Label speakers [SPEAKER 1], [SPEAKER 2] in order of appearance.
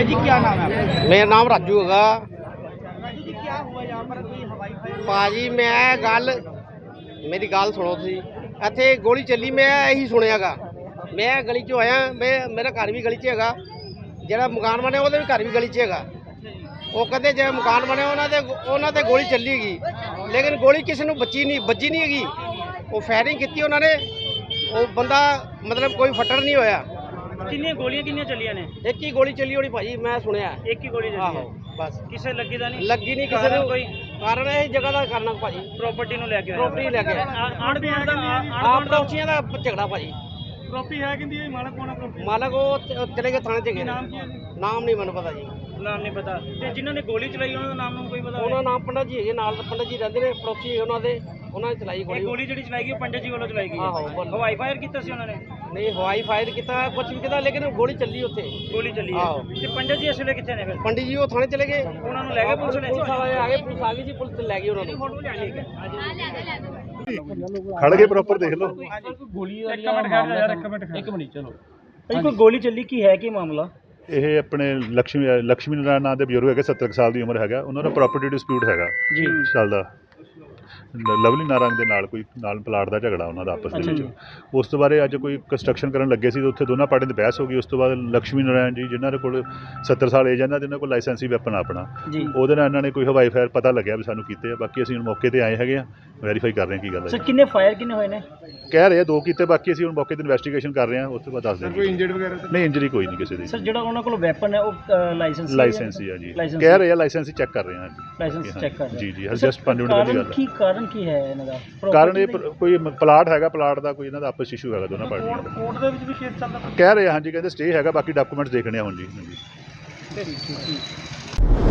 [SPEAKER 1] जी क्या नाम है आपका?
[SPEAKER 2] मेरा नाम राजू हैगा
[SPEAKER 1] राजू जी क्या हुआ यहाँ पर कोई हवाई फायर?
[SPEAKER 2] ਭਾਜੀ ਮੈਂ ਗੱਲ ਮੇਰੀ ਗੱਲ ਸੁਣੋ ਤੁਸੀਂ ਇੱਥੇ ਗੋਲੀ ਚੱਲੀ ਮੈਂ ਇਹੀ ਸੁਣਿਆਗਾ ਮੈਂ ਗਲੀ 'ਚੋਂ ਆਇਆ ਮੇਰਾ ਘਰ ਵੀ ਗਲੀ 'ਚ ਹੈਗਾ ਜਿਹੜਾ ਮਕਾਨ ਬਣਿਆ ਉਹਦੇ ਵੀ ਘਰ ਵੀ ਗਲੀ 'ਚ ਹੈਗਾ ਉਹ ਕਹਿੰਦੇ ਜਿਹੜਾ ਮਕਾਨ ਬਣਿਆ ਉਹਨਾਂ ਤੇ ਗੋਲੀ ਚੱਲੀ ਹੈਗੀ ਲੇਕਿਨ ਗੋਲੀ ਕਿਸੇ ਨੂੰ ਵੱਜੀ ਨਹੀਂ ਹੈਗੀ ਉਹ ਫਾਇਰਿੰਗ ਕੀਤੀ ਉਹਨਾਂ ਨੇ ਉਹ ਬੰਦਾ ਮਤਲਬ ਕੋਈ ਫੱਟੜ ਨਹੀਂ ਹੋਇਆ
[SPEAKER 1] ਕਿੰਨੀਆਂ ਗੋਲੀਆਂ ਕਿੰਨੀਆਂ ਚੱਲੀਆਂ ਨੇ?
[SPEAKER 2] ਇੱਕ ਹੀ ਗੋਲੀ ਚੱਲੀ ਹੋਣੀ ਭਾਜੀ ਮੈਂ ਸੁਣਿਆ
[SPEAKER 1] ਇੱਕ ਹੀ ਗੋਲੀ ਚੱਲੀ
[SPEAKER 2] ਆਹੋ
[SPEAKER 1] ਹੈ।
[SPEAKER 2] ਬਸ
[SPEAKER 1] ਕਿਸੇ ਲੱਗੀ ਦਾ ਨਹੀਂ?
[SPEAKER 2] ਲੱਗੀ ਨਹੀਂ ਕਿਸੇ ਨੂੰ
[SPEAKER 1] ਕੋਈ
[SPEAKER 2] ਕਾਰਨ ਇਹ ਜਗ੍ਹਾ ਦਾ ਕਰਨਾ ਭਾਜੀ
[SPEAKER 1] ਪ੍ਰਾਪਰਟੀ ਨੂੰ ਲੈ ਕੇ
[SPEAKER 2] ਪ੍ਰੋਪਰਟੀ ਲੈ ਕੇ
[SPEAKER 1] ਆਣ ਬਿਆਨ ਦਾ
[SPEAKER 2] ਆਪ ਪੜੋਸੀਆਂ ਦਾ ਝਗੜਾ ਭਾਜੀ
[SPEAKER 1] ਪ੍ਰਾਪਰਟੀ ਹੈ ਕਿੰਦੀ ਮਾਲਕ ਕੋਣਾ ਪ੍ਰਾਪਰਟੀ
[SPEAKER 2] ਮਾਲਕ ਉਹ ਚਲੇ ਗਏ ਥਾਣੇ 'ਚ ਗਏ
[SPEAKER 1] ਨਾਮ ਕੀ ਹੈ ਜੀ?
[SPEAKER 2] ਨਾਮ ਨਹੀਂ ਮੈਨੂੰ ਪਤਾ ਜੀ
[SPEAKER 1] ਨਾਮ ਨਹੀਂ ਪਤਾ ਤੇ ਜਿਨ੍ਹਾਂ ਨੇ ਗੋਲੀ ਚਲਾਈ ਉਹਨਾਂ ਦਾ ਨਾਮ ਨੂੰ ਕੋਈ ਪਤਾ
[SPEAKER 2] ਉਹਨਾਂ ਨਾਮ ਪੰਡਤ ਜੀ ਹੈਗੇ ਨਾਲ ਪੰਡਤ ਜੀ ਰਹਿੰਦੇ ਨੇ ਪੜੋਸੀ ਉਹਨਾਂ ਨੇ ਚਲਾਈ
[SPEAKER 1] ਇਹ
[SPEAKER 2] ਗੋਲੀ
[SPEAKER 1] ਗੋਲੀ ਜਿਹੜੀ ਚਲਾਈ ਗਈ ਉਹ ਪੰਡਤ ਜੀ ਵੱਲੋਂ ਚਲਾਈ ਗਈ
[SPEAKER 2] ਆਹੋ, ਬੋਲੋ।
[SPEAKER 1] ਹਵਾਈ ਫਾਇਰ ਕੀਤਾ ਸੀ ਉਹਨਾਂ ਨੇ?
[SPEAKER 2] ਨਹੀਂ ਹਵਾਈ ਫਾਇਰ ਕੀਤਾ ਕੁਝ ਵੀ ਕੀਤਾ ਲੇਕਿਨ ਗੋਲੀ ਚੱਲੀ ਉੱਥੇ
[SPEAKER 1] ਗੋਲੀ ਚੱਲੀ ਹੈ
[SPEAKER 2] ਆਹੋ।
[SPEAKER 1] ਤੇ ਪੰਡਤ ਜੀ ਇਸ ਵੇਲੇ ਕਿੱਥੇ ਨੇ ਫਿਰ?
[SPEAKER 2] ਪੰਡਿਤ ਜੀ ਉਹ ਥਾਣੇ ਚਲੇ ਗਏ
[SPEAKER 1] ਉਹਨਾਂ ਨੂੰ ਲੈ ਗਏ ਪੁਲਿਸ ਨੇ?
[SPEAKER 2] ਪੁਲਿਸ ਵਾਲੇ ਆ ਗਏ ਪੁਲਿਸ ਆ ਗਈ ਜੀ ਪੁਲਿਸ ਲੈ ਗਈ ਉਹਨਾਂ ਨੂੰ
[SPEAKER 3] ਖੜ ਕੇ ਪ੍ਰੋਪਰ ਦੇਖ ਲਓ।
[SPEAKER 1] ਗੋਲੀ ਇੱਕ ਮਿੰਟ ਚਲੋ ਭਾਈ ਕੋਈ ਗੋਲੀ ਚੱਲੀ ਕੀ ਹੈ ਕੀ ਮਾਮਲਾ?
[SPEAKER 3] ਇਹ ਆਪਣੇ ਲక్ష్ਮੀ ਨਾਰਾਇਣ ਨਾਂ ਦੇ ਬਜ਼ੁਰਗ ਹੈਗੇ 70 ਕੁ ਸਾਲ ਦੀ ਉਮਰ ਹੈਗਾ ਉਹਨਾਂ ਦਾ ਪ੍ਰਾਪਰਟੀ ਡਿਸਪਿਊਟ ਹੈਗਾ
[SPEAKER 1] ਜੀ
[SPEAKER 3] ਚੱਲਦਾ ਲਵਲੀ ਨਾਰੰਗ ਦੇ ਨਾਲ ਕੋਈ ਪਲਾਟ ਦਾ ਝਗੜਾ ਉਹਨਾਂ ਦਾ ਆਪਸ ਦੇ ਵਿੱਚ ਉਸ ਤੋਂ ਬਾਅਦ ਅੱਜ ਕੋਈ ਕੰਸਟਰਕਸ਼ਨ ਕਰਨ ਲੱਗੇ ਸੀ ਤੇ ਉੱਥੇ ਦੋਨਾਂ ਪਾਰਟੀਆਂ ਦੀ ਬਹਿਸ ਹੋ ਗਈ ਉਸ ਤੋਂ ਬਾਅਦ ਲక్ష్ਮੀ ਨਾਰਾਇਣ ਜੀ ਜਿਨ੍ਹਾਂ ਦੇ ਕੋਲ 70 ਸਾਲ ਏਜ ਹੈ ਇਹਨਾਂ ਦੇ ਕੋਲ ਲਾਇਸੈਂਸੀ ਵੈਪਨ ਆਪਣਾ
[SPEAKER 1] ਜੀ
[SPEAKER 3] ਉਹਦੇ ਨਾਲ ਇਹਨਾਂ ਨੇ ਕੋਈ ਹਵਾਈ ਫਾਇਰ ਪਤਾ ਲੱਗਿਆ ਵੀ ਸਾਨੂੰ ਕੀਤੇ ਆ ਬਾਕੀ ਅਸੀਂ ਹੁਣ ਮੌਕੇ ਤੇ ਆਏ ਹੈਗੇ ਆ ਵੈਰੀਫਾਈ ਕਰ ਰਹੇ ਹਾਂ ਕੀ ਗੱਲ
[SPEAKER 1] ਸਰ
[SPEAKER 3] ਹੈ
[SPEAKER 1] ਕਿੰਨੇ ਫਾਇਰ ਕਿੰਨੇ ਹੋਏ ਨੇ?
[SPEAKER 3] ਕਹਿ ਰਹੇ ਆ 2 ਕੀਤੇ ਬਾਕੀ ਅਸੀਂ ਹੁਣ ਮੌਕੇ ਤੇ ਇਨਵੈਸਟੀਗੇਸ਼ਨ ਕਰ ਰਹੇ ਹਾਂ ਉਸ ਤੋਂ ਬਾਅਦ ਦੱਸ ਦਿਆਂਗੇ ਕੋਈ ਇੰਜਰਡ ਵਗੈਰਾ ਨਹੀਂ ਇੰਜਰੀ ਕੋਈ ਨਹੀਂ ਕਿਸੇ ਦੀ
[SPEAKER 1] ਸਰ ਜਿਹੜਾ ਉਹਨਾਂ ਕੋਲ ਵੈਪਨ ਹੈ ਉਹ
[SPEAKER 3] ਲਾਇਸੈਂਸ ਹੀ ਆ ਜੀ
[SPEAKER 1] ਲਾਇਸੈਂਸ
[SPEAKER 3] ਕਹਿ ਰਹੇ ਆ ਲਾਇਸੈਂਸ ਹੀ ਚੈੱਕ ਕਰ ਰਹੇ ਹਾਂ
[SPEAKER 1] ਲਾਇਸੈਂਸ ਚੈੱਕ ਕਰ ਰਹੇ
[SPEAKER 3] ਜੀ ਜੀ ਜਸਟ 5 ਮਿੰਟ ਦੀ ਗੱਲ ਹੈ
[SPEAKER 1] ਕਾਰਨ ਕੀ ਹੈ ਇਹਨਾਂ ਦਾ?
[SPEAKER 3] ਕਾਰਨ ਇਹ ਕੋਈ ਪਲਾਟ ਹੈਗਾ ਪਲਾਟ ਦਾ ਕੋਈ ਇਹਨਾਂ ਦਾ ਆਪਸ ਇਸ਼ੂ ਹੈਗਾ ਦੋਨਾਂ ਪਾਰਟੀਆਂ ਦਾ
[SPEAKER 1] ਕੋਰਟ ਦੇ ਵਿੱਚ ਵੀ ਕੇਸ ਚੱਲਦਾ
[SPEAKER 3] ਕਹਿ ਰਹੇ ਆ ਹਾਂਜੀ ਕਹਿੰਦੇ ਸਟੇ ਹੈਗਾ ਬਾਕੀ ਡਾਕੂਮੈਂਟਸ ਦੇਖਣੇ ਆ ਹੁਣ ਜੀ ਹਾਂਜੀ
[SPEAKER 1] ਠੀਕ